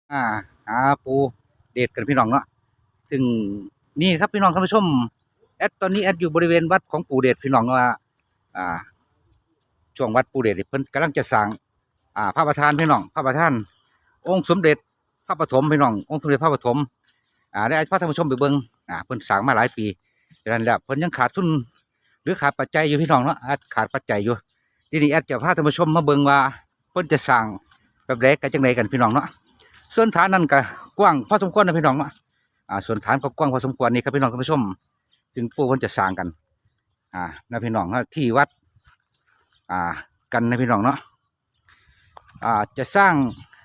อ่าหาปูเดทกันพี่น้องเนาะซึ่งนี่ครับพี่น้องท่านผู้ชมตอนนี้อยู่บริเวณวัดของปู่เดชพี่น้องว่าอ่าช่วงวัดปู่เดชเพิ่นกำลังจะสร้างพระประธานพี่น้องพระประธานองค์สมเด็จพระปฐมพี่น้ององค์สมเด็จพระปฐมได้พาท่านผู้ชมไปเบิ่งเพิ่นสร้างมาหลายปีดังนั้นแล้วเพิ่นยังขาดทุนหรือขาดปัจจัยอยู่พี่น้องเนาะขาดปัจจัยอยู่ทีนี้จะพาท่านผู้ชมมาเบิ่งว่าเพิ่นจะสร้างแบบใดกันจังไดกันพี่น้องเนาะส่วนฐานนั้นก็กว้างพอสมควรนะพี่น้องเนาะส่วนฐานก็กว้างพอสมควรนี่ครับพี่น้องท่านผู้ชมซึ่งปู่เพิ่นจะสร้างกันนะพี่น้องที่วัดกันนะพี่น้องเนาะจะสร้าง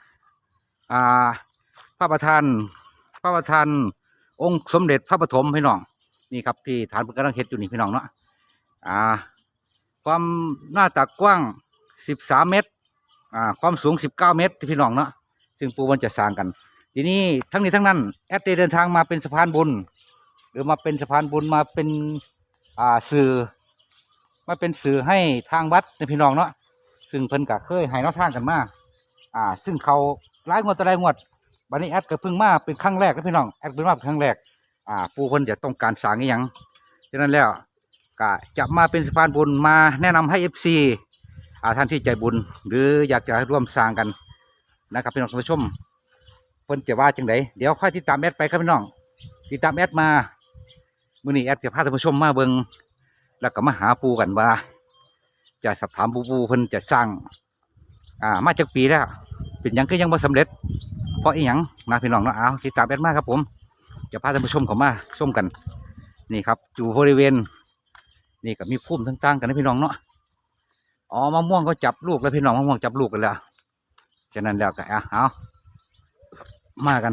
พระประธานองค์สมเด็จพระปฐมพี่น้องนี่ครับที่ฐานเพิ่นกำลังเฮ็ดอยู่นี่พี่น้องเนาะความหน้าตักกว้าง13 เมตรความสูง19 เมตรพี่น้องเนาะซึ่งปู่เพิ่นจะสร้างกันทีนี้ทั้งนี้ทั้งนั้นได้เดินทางมาเป็นสะพานบุญหรือมาเป็นสะพานบุญมาเป็นสื่อมาเป็นสื่อให้ทางวัดในพี่น้องเนาะซึ่งเพิ่นก็เคยให้แนวทางกันมาซึ่งเขาหลายงวดต่อหลายงวดบัดนี้ก็เพิ่งมาเป็นครั้งแรกนะพี่น้องเพิ่งมาเป็นครั้งแรกปู่เพิ่นจะต้องการสร้างอีหยังฉะนั้นแล้วก็จะมาเป็นสะพานบุญมาแนะนำให้ FC ท่านที่ใจบุญหรืออยากจะร่วมสร้างกันนะครับพี่น้องผู้ชมเพิ่นจะว่าจังไดเดี๋ยวค่อยติดตามไปครับพี่น้องติดตามมามื้อนี้จะพาท่านผู้ชมมาเบิ่งแล้วก็มาหาปู่กันว่าจะสอบถามปู่เพิ่นจะสร้างมาจากปีแล้วเป็นหยังก็ยังบ่สำเร็จเพราะอีหยังนะพี่น้องเนาะเอาติดตามมาครับผมจะพาท่านผู้ชมเข้ามาชมกันนี่ครับอยู่บริเวณนี่ก็มีพุ่มต่างๆกันนะพี่น้องเนาะมะม่วงก็จับลูกแล้วพี่น้องมะม่วงจับลูกกันแล้วฉะนั้นแล้วก็เอามากัน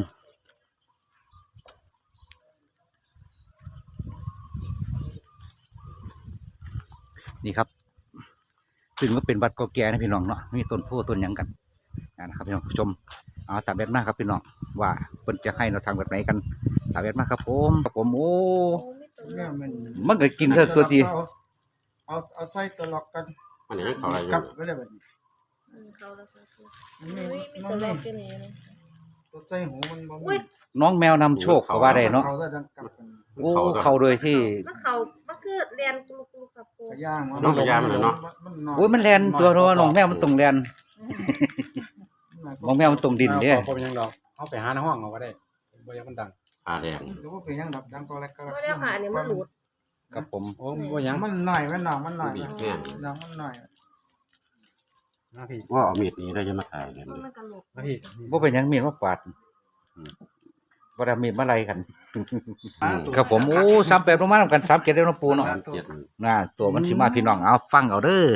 นี่ครับซึ่งก็เป็นวัดเก่าแก่นะพี่น้องเนาะมีต้นโพต้นหยังกันนะครับพี่น้องผู้ชมตามแบบมากครับพี่น้องว่าเพิ่นจะให้เราทางแบบไหนกันตามแบบมากครับผมโอ้มันก็กินเถอะตัวทีเอาใส่ตัวล็อกกันมันยังเขาอะไรอยู่กับก็ได้แบบนี้เขาแล้วก็คือมันตัวมีเล็กแค่นี้นะตัวใส่หูมันบ่อุ้มียน้องแมวนำโชคก็ว่าได้เนาะเขาจะดังกับกันโอ้เข้าโดยที่มันคือเรียนกลุกครับปูกระย่างมันน้องกระยามันเนาะโอ้ยมันแลนตัวเนาะน้องแมวมันตรงแลนน้องแมวมันตรงดินเด้พอเป็นยังดอกเอาไปหาในห้องเอาก็ได้บ่ยังมันดังแดงหรือว่าเป็นยังดับดังตัวแรกก็ไม่ได้ค่ะอันนี้มันหลุดครับผมโอ้บ่ยังมันหน่อยมันหน่อยมันหน่อยบีบแห้งน้ำมันหน่อยมาพี่ว่าเอามีดนี้ได้จะมาถ่ายกันมันกระโหลกมาพี่บ่เป็นหยังมีดมาปาดบ่ได้มีดมาไล่กันครับผมโอ้38ลงมานํกัน37เด้อเนาะปูเนาะเจ็ดตัวมันสิมาพี่น้องเอาฟังเอาเด้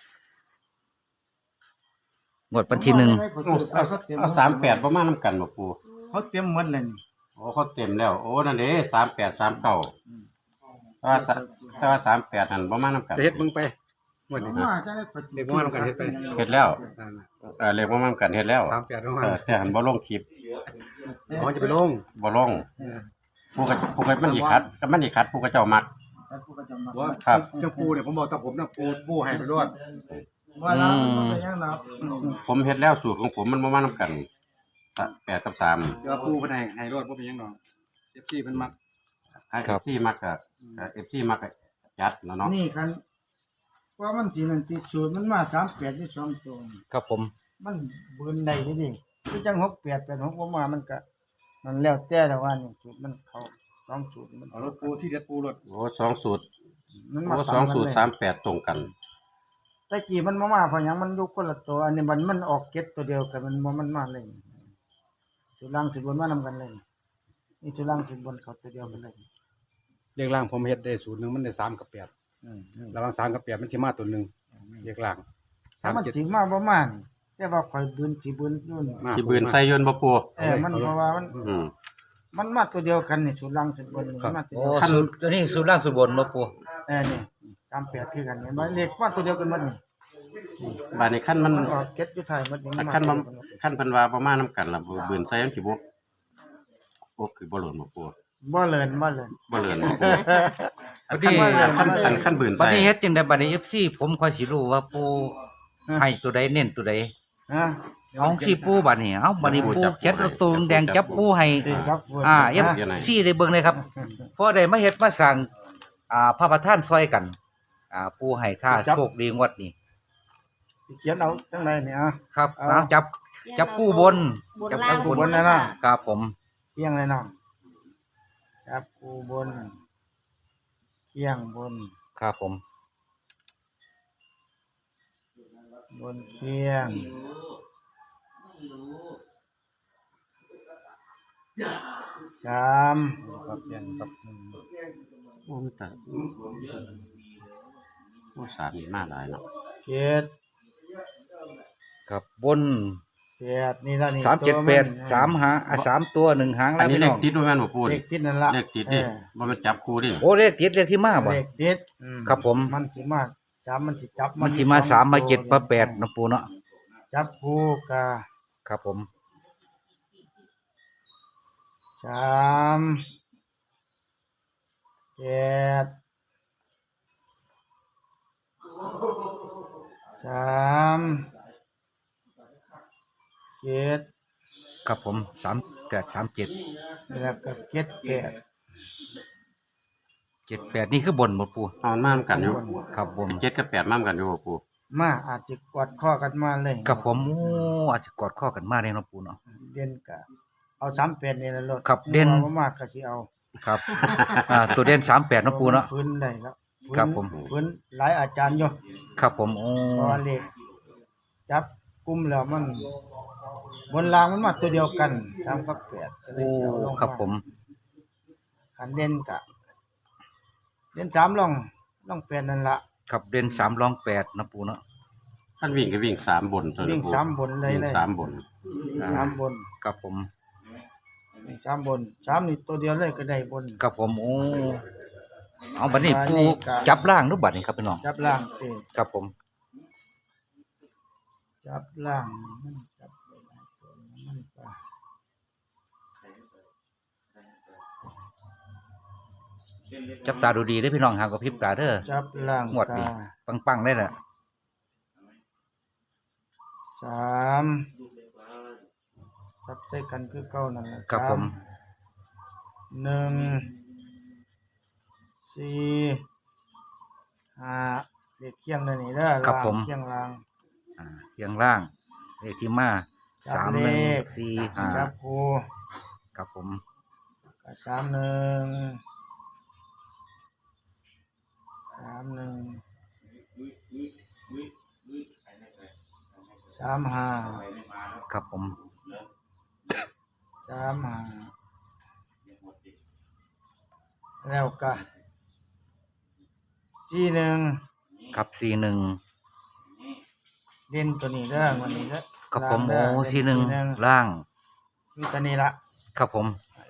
องวดวันที่1 เอา38ประมาณน้ำกันบ่ปูเขาเตรียมหมดเลยโอ้เขาเต็มแล้วโอ้นั่นเด้38 39แต่ว่า38นั่นประมาณน้ำกันจะเฮ็ดมึงไปหมดนี่มาจะได้เด็กว่าเรากันเฮ็ดไปเฮ็ดแล้วเรียกว่ามันกันเฮ็ดแล้ว 38ลงมาแต่หันบ่ลงคลิปอ๋อจะไปลงบ่ลงผู้ก็มันอีคัดก็มันอีคัดผู้ก็เจ้ามักว่าครับเจ้าปูเนี่ยผมบอกแต่ผมนะปูให้ไปรอดว่าเราเป็นยังดับผมเฮ็ดแล้วสูตรของผมมันบ่มานํกัน8กับ3 เดี๋ยวปูเพิ่นให้รอดบ่เป็นยังดอก FC เพิ่นมักที่มักกับ FC มักก็จัดแล้วเนาะนี่คันว่ามันสีนั่นติดสูตรมันมา38ที่2ตัวครับผมมันเบิ่นได้ดิคือจัง6886บ่มามันก็มันแล้วแต่ละว่านี่สูตรมันเข้า2สูตรมันเอารถปูที่เด็ดปูรถโอ้2สูตรมันโอ้มา 2สูตร38ตรงกันตะกี้มันมาเพราะหยังมันอยู่คนละตัวอันนี้มันออกเก็ดตัวเดียวกันมันมาเลยสุล่างสิบนมานำกันเลยนี่สุล่างสิบนเขาตัวเดียวกันเลยเรียกล่างผมเฮ็ดได้สูตรนึงมันได้3กับ8ระหว่าง3กับ8มันสิมาตัวนึงเรียกล่างถ้ามันสิมาบ่มานี่แต่ว่าข่อยบืนสิบืนอยู่นี่ที่บืนใส่ยนต์บ่ปูมันเพราะว่าอืมมันมาตัวเดียวกันนี่สุล่างสิบนนี่มาตัวโอ้เดียวสูตรตัวนี้สูตรล่างสูตรบนเนาะปูนี่38คือกันนี่มันเลขมาตัวเดียวกันหมดนี่บาดนี้คันมันออกเก็ดอยู่ท้ายหมดนี่คันมันคันเพิ่นว่าประมาณนํกันล่ะบืนใส่ยังสิบ่โอ้คือบ่หล่นบ่ปูบ่เลินบ่เลื่อนบ่ปูบัดนี้คันบืนบัดใส่นี้เฮ็ดจังได๋บัดนี้ FC ผมค่อยสิรู้ว่าปูให้ตัวใดเน้นตัวใดฮะเอาสิปูบัดนี้เอาบัดนี้ปูเขียนตัวตูงแดงจับปูให้ที่ครับเอฟซีได้เบิ่งเลยครับเพราะได้มาเฮ็ดมาสร้างพระประธานซอยกันปูให้ค่าโชคดีงวดนี้สิเขียนเอาจังไดเนี่ยครับเอาจับคู่บนบนล่างจับคู่บนนะครับผมเคียงเลยน้องจับคู่บนเคียงบนครับผมบนเคียงสามครับเพียงครับโอ้แต่โอ้สามนี่มาหลายเนาะเจ็ดครับบนแปดนี่ละนี่ 378 3หาง3ตัว1หางอัแล้นวนี้พี่เลน้ของติดด้วยแม่นบ่ปูเลนี่ขติดนั่นละเลขติดดิบ่แม่นจับคู่ดิโอ้เลขติดเลขที่มาบ่เลขติดครับผมมันสิมาสามมันสิจับมันสิมา3มา7มา8นะปูเนาะจับคู่กะครับผมสามเจ็ดสามเจ็ดครับผม3837 แล้วก็เจ็ดแปด 78นี่คือบนบ่ปูเอามันมานํกันอยู่ครับบน 7กับ8มานํกันอยู่บ่ปูมาอาจจะกอดข้อกันมาเลยครับผมโอ้อาจจะกอดข้อกันมาได้เนาะปูเนาะเด่นกะเอาสามแปดนี่ละรถครับเด่นบ่มากก็สิเอาครับตัวเด่น38เนาะปูเนาะฟื้นได้แล้วฟื้นครับผมฟื้นหลายอาจารย์อยู่ครับผมโอ้เพราะว่าเลขจับกลุ่มแล้วมันบนรางมันมาตัวเดียวกันสามกับแปดก็เลยโอ้เสียวลงครับผมขันเด่นกะเด่นสามลองแปดนั่นละครับเด่น3รอง8นะปูเนาะท่านวิ่งก็วิ่ง3บนตัววิ่งปูสามบนเลยวิ่งเลย 3บนสามบนครับผมวิ่งสามบนสามนี่ตัวเดียวเลยก็ได้บนครับผมโอ้เอาบัดนี้อันปูนี้ก็จับล่างรูปบัดนี้ครับพี่น้องจับล่างเองครับผมจับล่างมันจับไปหลายตัวมันก็จับตาดูดีเด้อพี่น้องหางกับพริบตาเด้อจับล่างงวดนี้ ปังๆได้น่ะสามจับใส่กันคือเก่านั่นแหละครับผมหนึ่งสี่ห้าเด็กเคียงเลยนี่เด้อครับผมเคียงล่างเคียงล่างเลขที่มาจับ 3 เลข 1 4 จับครู 5ครับผมก็สามหนึ่งสามห้าครับผมสามห้าแล้วก็สี่หนึ่งครับ41 เด่นตัวนี้เด้อวันนี้เด้อครับผมล่างโอ้เด้อเด่น 41ล่างมีตัวนี้ละครับผม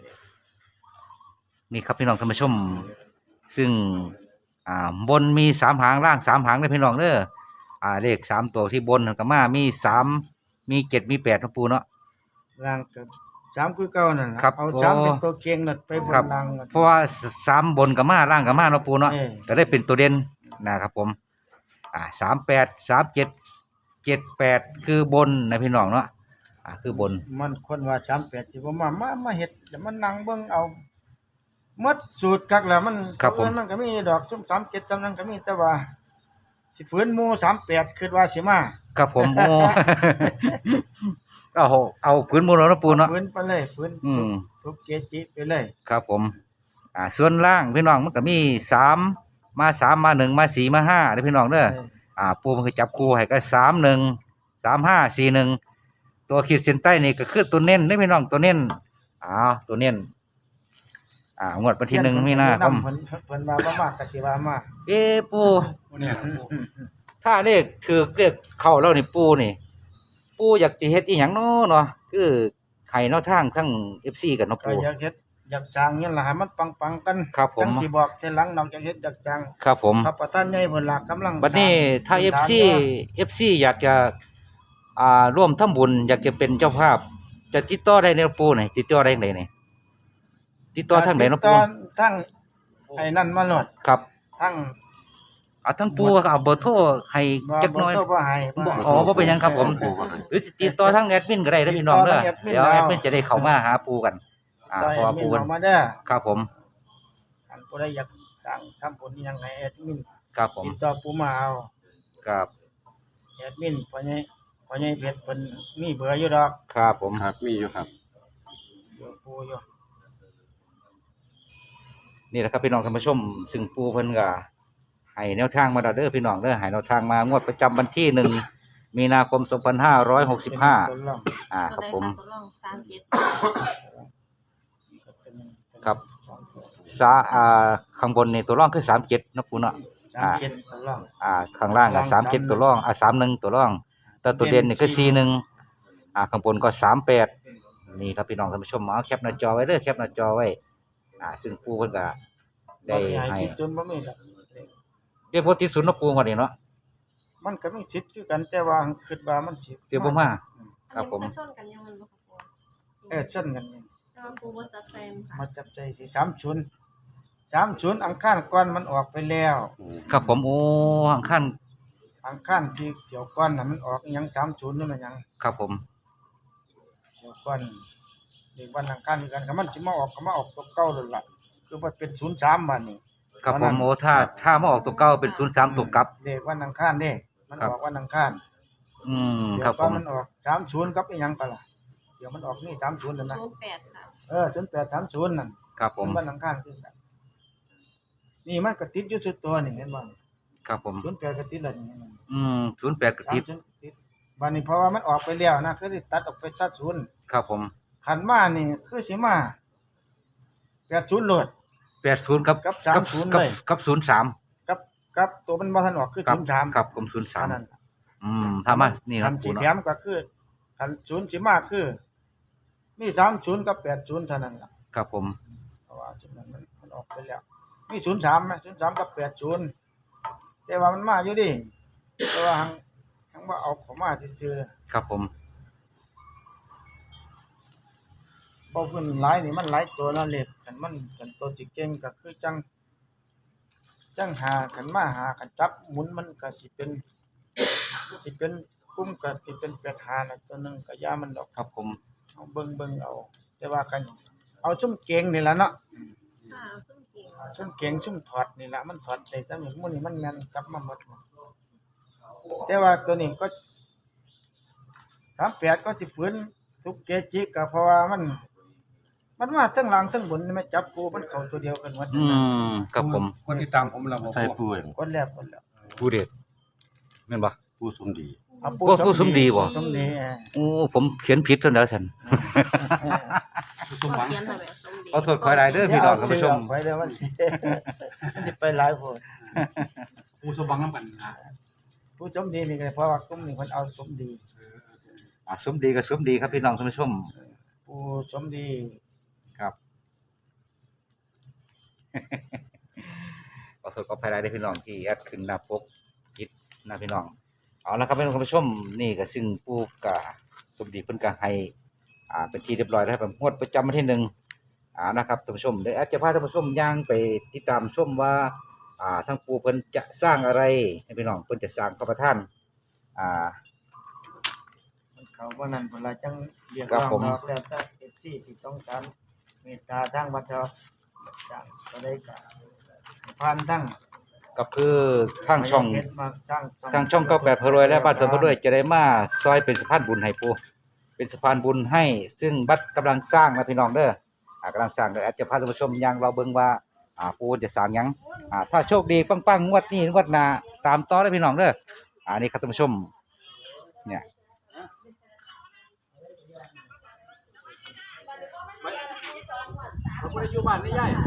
นี่ครับพี่น้องท่านผู้ชม ซึ่งบนมี3หางล่าง3หางเด้อพี่น้องเด้อเลข3ตัวที่บนก็มามี3มี7มี8นะปูเนาะล่างกับสามคือเก่านั่นล่ะครับเอาสามโอ้เป็นตัวเก่งนั่นไปบนครับล่างเพราะว่า3บนก็มาล่างก็มาเนาะปูเนาะเออก็ได้เป็นตัวเด่นนะครับผม38 37 78คือบนนะพี่น้องเนาะคือบนมันคนว่า38สิบ่มาเฮ็ดแล้วมันนั่งเบิ่งเอาหมดสูตรคักแล้วมันครับผมมันก็มีดอกซุม37จำนั้นก็มีแต่ว่าสิฝืนหมู่38คิดว่าสิมาครับผมโอ้ เอาพื้นมูลแล้วเนาะปูเนาะฝืนไปเลยฝืนอืมทุกเกจิไปเลยครับผมส่วนล่างพี่น้องมันก็มี3มา3มา1มา4มา5เด้อพี่น้องเด้อปูมันก็จับคู่ให้ก็31 35 41ตัวขีดเส้นใต้นี่ก็คือตัวเน้นเด้อพี่น้องตัวเน้นตัวเน้นงวดวันที่1มีนาคมเพิ่นว่าบ่มากก็สิว่ามาปูเนี่ยถ้าเลขถือเลขเข้าแล้วนี่ปูอยากสิเฮ็ดอีหยังเนาะคือให้เนาะทางทั้ง FC กันเนาะก็ปูอยากเฮ็ดอยากสร้างนี่ล่ะให้มันปังๆกันครับผมจังสิบอกทีหลังนอกจากเฮ็ดอยากสร้างครับผมพระประธานใหญ่เพิ่นล่ะกำลังบัดนี้ถ้าสร้ง FC อยากจะร่วมทำบุญอยากจะเป็นเจ้าภาพ จะติดต่อได้ในปูนี่ติดต่อได้ไหนนี่ติดต่อทางไหนเนาะปูทั้งไอ้นั่นมาโลดครับทั้งเอาทั้งปูก็เอาเบอร์โทรให้จักหน่อยบ่ให้บ่อ๋อบ่เป็นหยังครับผมปูบ่ให้หรือติดต่อทางแอดมินก็ได้เด้อพี่น้องเด้อติดต่อทางแอดมินเดี๋ยวแอดมินเอาจะได้เข้ามาหาปูกันเพเพราะว่าปูปูเพิ่นมาเด้อครับผมอันผู้ใดอยากสั่งทำผลอิหยังให้แอดมินครับผมติดต่อปูมาเอาครับแอดมินพ่อใหญ่เพชรเพิ่นมีเบอร์อยู่ดอกครับผมครับมีอยู่ครับเบอร์ปูอยู่นี่แหละครับพี่น้องท่านผู้ชมซึ่งปูเพิ่นก็ให้แนวทางมาแล้วเด้อพี่น้องเด้อให้แนวทางมางวดประจำวันที่1มีนาคม2565 ต้นล่องครับผมตัวลอง37 ครับ ข้างบนนี่ตัวร่องคือ37เนาะปูเนาะ 37ต้นล่องข้างล่างก็37ตัวร่อง31ตัวร่องแต่ตัวเด่นนี่ก็41ข้างบนก็38นี่ครับพี่น้องท่านผู้ชมเอาแคปหน้าจอไว้เด้อแคปหน้าจอไว้ซึ่งปูเพิ่นก็ได้ให้คิดจนบ่มีดอกเรียกว่าที่ศูนย์เนาะปูว่านี่เนาะมันก็มีสิทธิ์คือกันแต่ว่าคิดว่ามันสิเดี๋ยวบ่มา ครับผมอันนี้นก็ชนกันยังมันบ่ครับปูเช่นกันนี่แต่ว่าปูบ่ซับแซมค่ะมาจับใจสิ30อังคารก่อนมันออกไปแล้วครับผมโอ้ข้างขั้นอังคารที่เที่ยวก่อนน่ะมันออกอิหยัง30นั่นน่ะหยังครับผมเที่ยวก่อนเด็กวันอังคารคือกันก็มันสิมาออกตัวเก่านั่นล่ะคือว่าเป็น03บัดนี้ครับผมโอ้ถ้ามาออกตัวเก่าเป็น03ตัวกลับเด็กวันอังคารเด้มันครับออกวันอังคารคเดี๋รัยบวผก่อนมมันออก30กับอีหยังก็ล่ะเดี๋ยวมันออกนี่30นั่นนะ 08ค่ะ 0830นั่นครับผมวันอังคารคือกันนี่มันก็ติดอยู่สุดตัวนี่เห็นบ่ครับผม 08ก็ติดแล้วนี่เห็นบ่ 08กระติบ 30ติดบัดนี้เพราะว่ามันออกไปแล้วนะคือได้ตัดออกไปซะ0 ครับผมขันมานี่คือสิมา80โหลด 80กับกับ30 กับเลยกับ03 กับตัวมันบ่ทันออกคือครับ 03 ครับผมเท่านั้น 03ถ้ามานี่คันะนปูสิแถเนาะมก็คือคัน0สิมาคือมี30กับ80เท่านั้นล่ะครับผมเพราะว่าจุดนั้นมันออกไปแล้วมี03มั้ย03กับ80แต่ว่ามันมาอยู่ดิแต่ว่าหังว่าเอาเข้ามาซื่อครับผมๆบ่เพิ่นหลายนี่มันหลายตัวละเล็กคันมันคันตัวสิเก่งก็คือจังหาคันมาหาคันจับหมุนมันก็สิเป็นกลุ่มก็สิเป็น8หาน่ะตัวหนึงก็อย่ามันดอกครับผมเอาเบิ่งเอา แต่ว่ากันเอาซุ่มเก่งนี่ล่ะเนาะค่ะซึ่งเก่งซุ่มเก่งซุ่มถอดนี่ล่ะมันถอดได้จังนี้มื้อนี้มันแม่นกลับมาหมดแต่ว่าตัวนี้ก็38ก็สิฝืนทุกเกจิก็เพราะว่ามันมาทั้งหลังทั้งบนนี่มันจับกูมันเข้าตัวเดียวกันหมดครับผมคนที่ตามผมเราบ่ใส่ปูเองคนแล้วผู้เด็ดแม่นบ่ปูสมดีเอาผู้สมดีบ่สมดีโอ้ผมเขียนผิดซะแล้วฉันสมหวังเขียนให้แบบสมดีขอโทษขออภัยเด้อพี่น้องท่านผู้ชมไปเด้อมันสิ มันสิไปหลายโพดปูสมหวังนำกันนะผู้สมดีนี่ก็เพราะว่ากลุ่มนี้เพิ่นเอาสมดีสมดีกับสมดีครับพี่น้องท่านผู้ชมผู้สมดีครับ ขอโทษขออภัยได้พี่น้องที่แอดขึ้นหน้าปกผิดนะพี่น้องเอาละครับพี่น้องท่านผู้ชมนี่ก็ซึ่งปูกะสมดีเพิ่นก็ให้เป็นที่เรียบร้อยแล้วครับงวดประจำวันที่นะครับท่านผู้ชมเดี๋ยวแอดจะพาท่านผู้ชมย่างไปติดตามชมว่าทั้งปูเพิ่นจะสร้างอะไรให้พี่น้องเพิ่นจะสร้างพระประธานมันเขาบ่นั้นเพิ่นละจังเรียกครัร้บองผมดอกแล้วถ้า FC สิสงสารเมตตาทางวัดดอกสร้างก็ได้ก็ผ่านทั้งก็คือทางช่องเฮ็ดมาสร้างทางช่อง98พรวยและบ้านเสริมพรวยจะได้มาซอยเป็นสะพานบุญให้ปูเป็นสะพานบุญให้ซึ่งบัดกำลังสร้างนะพี่น้องเด้อกำลังสร้างเดี๋ยวแอดจะพาท่านผู้ชมย่างเราเบิ่งว่าปูจะสร้างหยังถ้าโชคดีปังๆงวดนี้งวดหน้าตามต่อได้พี่น้องเด้อนี่ครับท่านผู้ชมเนี่ยเราบ่ได้อยู่บ้านนี่ยาย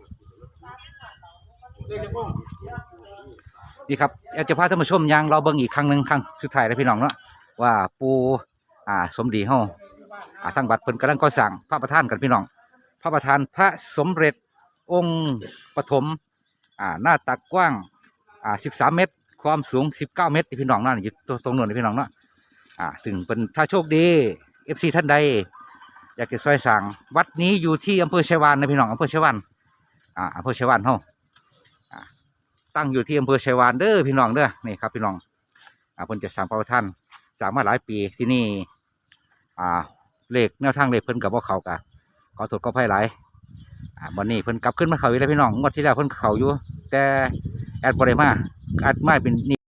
เด็กจะพุ่งนี่ครับแอดจะพาท่านผู้ชมย่างเราเบิ่งอีกครั้งหนึงครั้งสุดท้ายแล้วพี่น้องเนาะว่าปูสมดีเฮาทางวัดเพิ่นกำลังก่อสร้างพระประธานกันพี่น้องพระประธานพระสมเด็จองค์ปฐมหน้าตักกว้าง13 เมตรความสูง19 เมตรพี่น้องนั่นอยู่ตรงนู้นพี่น้องเนาะถึงเป็นถ้าโชคดี FC ท่านใดอยากจะซอยสั่งวัดนี้อยู่ที่อำเภอไชยวานนะพี่น้องอำเภอไชยวานอำเภอไชยวานเฮาตั้งอยู่ที่อำเภอชัยวานเด้อพี่น้องเด้อนี่ครับพี่น้องเพิ่นจะสร้างพระประธานสร้างมาหลายปีที่นี่เลขแนวทางเลขเพิ่นกับว่าเขากะขอโทษขออภัยหลายวันนี้เพิ่นกลับขึ้นมาเขาอีกแล้วพี่น้องงวดที่แล้วเพิ่นเขาอยู่แต่แอดบ่ได้มาแอดมาเป็น